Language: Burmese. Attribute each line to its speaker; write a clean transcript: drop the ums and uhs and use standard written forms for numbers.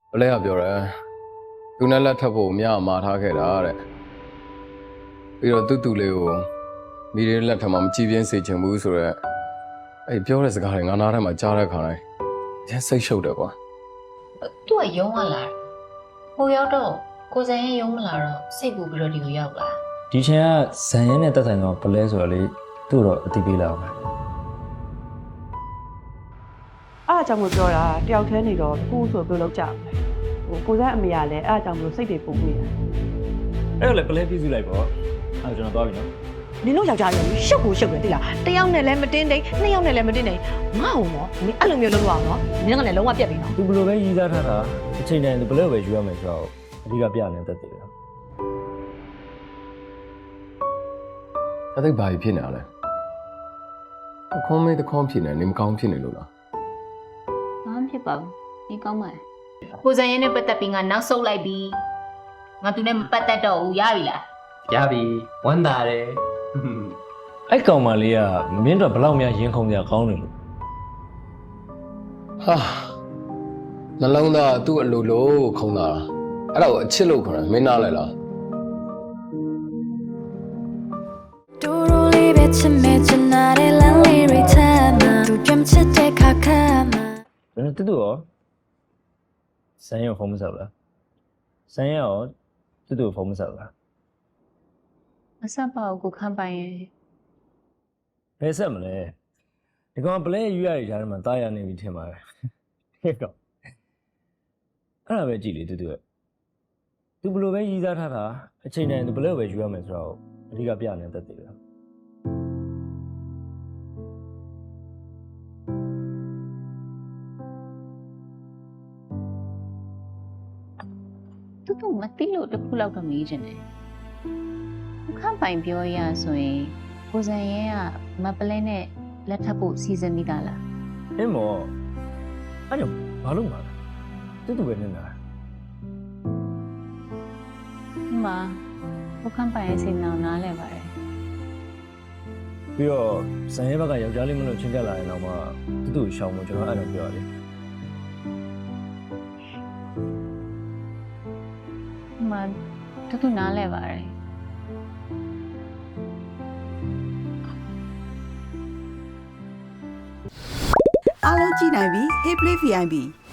Speaker 1: ဘလဲကပြောရဲသူနဲ့လက်ထပ်ဖို့မြားမာထားခဲ့တာတဲ့ပြီးတော့တူလေးကိုမိရလက်ထပ်မှာမကြည့်ပြင်းစေချင်ဘူးဆိုတော့အဲ့ပြောတဲ့စကားတွေငါနားထဲမှာကြားတဲ့ခါတိုင်းရမ်းစိတ်ရှုပ်တယ်ကွာ
Speaker 2: သူကယုံမလားဟိုရောက်တော့ကိုစံရင်ယုံမလားတော့စိတ်ပူပြီးတော့ဒီကိုရောက်လာ
Speaker 3: ဒီချိန်ကဇန်ရဲနဲ့တက်ဆိုင်တော့ဘလဲဆိုတော့လေသူ့တော့အတိပေးလာအောင်ပဲ
Speaker 4: အားအကြောင်းကိုပြောတာတယောက်တည်းနေတော့ကိုဆိုပြုတ်လောက်ကြမယ်ကိုစန်းအမေကလည်းအားအကြောင်းကိုစိတ်တွေပုံနေတာ
Speaker 3: အဲ့တော့လေဘလဲပြည့်စုလိုက်ပေါ့အဲ့ကျွန်တော်သွားပြီနော်
Speaker 5: နင်တို့ယောက်ျားတွေရှုပ်ကိုရှုပ်တယ်တိလားတယောက်နဲ့လည်းမတင်းတိန်နှစ်ယောက်နဲ့လည်းမတင်းတိန်ငါ့အောင်နော်နင်အဲ့လိုမျိုးလုပ်လို့အောင်နော်နင်ကလည်းလုံးဝပြက်ပြီနော်
Speaker 3: သူဘယ်လိုပဲရည်စားထားတာအချိန်တိုင်းသူဘလဲပဲယူရမယ်ဆိုတော့အဓိကပြနေတတ်တယ်ဗျာ
Speaker 1: ဒါသိဘာဖြစ်နေရလဲအခွန်မေးတခွန်ဖြစ်နေနေမကောင်းဖြစ်နေလို့လား
Speaker 2: ဘာမှဖြစ်ပါဘူးဒီကောင်းပါလေကိုစံရင်နဲ့ပတ်သက်ပြီးငါနောက်ဆုတ်လိုက်ပြီငါသူနဲ့မပတ်သက်တော့ဘူးရပြီလား
Speaker 6: ရပြီဝမ်းသာတယ်
Speaker 3: အဲ့ကောင်မလေးကမင်းတို့ဘလောက်များရင်ခုန်ကြကောင်းတယ်လို့
Speaker 1: ဟာနှလုံးသားသူ့အလိုလိုခုံတာအဲ့ဒါကိုအချစ်လို့ခေါ်တယ်မင်းနားလဲလား
Speaker 7: တူတူလေးပဲချစ်မဲ့ချင်တဲ့လမ်းလေးတွေထဲမှာသူကြမ်းချစ်တဲ့ခါခါမှာ
Speaker 3: ကျွန်တော်တူတူရောဇန်ရဲဖုန်းမဆက်ဘူးလားဇန်ရဲရောတူတူဖုန်းမဆက်ဘူးလား
Speaker 2: မဆက်ပါဘူးကိုခန့်ပိုင်ရဲ့
Speaker 3: ဘယ်ဆက်မလဲဒီကောင်ဘလဲယူရရတဲ့မှာတားရနေပြီထင်ပါတယ်ဟဲ့ကောင်အဲ့ဒါပဲကြည့်လေတူတူရဲ့သူဘယ်လိုပဲရည်စားထားတာအချိန်တိုင်းသူဘလဲပဲယူရမယ်ဆိုတော့အဓိကပြနေတတ်တယ်ဗျာ
Speaker 2: သူတို့မသိလို့တစ်ခုလောက်တော့မေးချင်တယ်ကိုခန့်ပိုင်ပြောရဆိုရင်ကိုစံရင်ကမပလဲနဲ့လက်ထပ်ဖို့စီစဉ်မိတာလား
Speaker 3: အင်းမောအဲ့ကြောင့်ဘာလို့မှာလဲတူတူပဲနေတာ
Speaker 2: ဒီမှာကိုခန့်ပိုင်ရဲ့စိတ်နှောင်နားလဲပါတယ်
Speaker 3: ပြီးတော့ဇန်ရဲဘက်ကယောက်ျားလေးမလို့ချင်းကပ်လာရင်တော့မှတူတူရှောင်းမကျွန်တော်အဲ့လိုပြောရတယ်
Speaker 2: ဒီမှာတူနားလဲပါတယ်
Speaker 8: အားလုံးကြည့်နိုင်ပြီ Hey Play VIP